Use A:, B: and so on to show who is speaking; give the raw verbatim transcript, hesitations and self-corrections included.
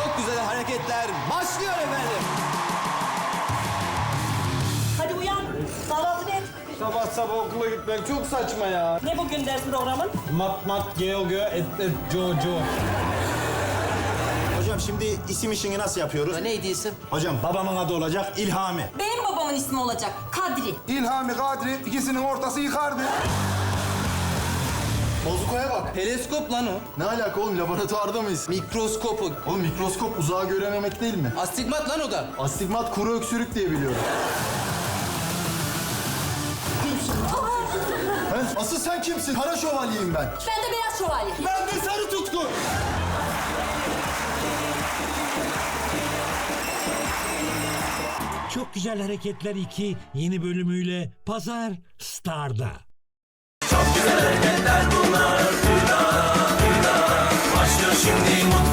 A: Çok güzel hareketler başlıyor efendim.
B: Hadi uyan. Kahvaltı et.
C: Sabah sabah okula gitmek çok saçma ya.
B: Ne bugün ders programın?
C: Mat mat geo geo et et jo jo.
D: Hocam şimdi isim işini nasıl yapıyoruz?
A: Neydi isim?
D: Hocam babamın adı olacak İlhami.
E: Benim babamın ismi olacak Kadri.
F: İlhami, Kadri ikisinin ortası yıkardı.
G: Bozukoya bak.
A: Teleskop lan o.
G: Ne alaka oğlum, laboratuvarda mıyız?
A: Mikroskopu.
G: Oğlum mikroskop uzağı görememek değil mi?
A: Astigmat lan o da.
G: Astigmat kuru öksürük diye biliyorum. He? Asıl sen kimsin? Kara şövalyeyim ben.
E: Ben de beyaz şövalye.
G: Ben de sarı tutku.
H: Çok Güzel Hareketler iki yeni bölümüyle Pazar Star'da.
I: Çok güzel hareketler bunlar. Başlıyor şimdi mutlu.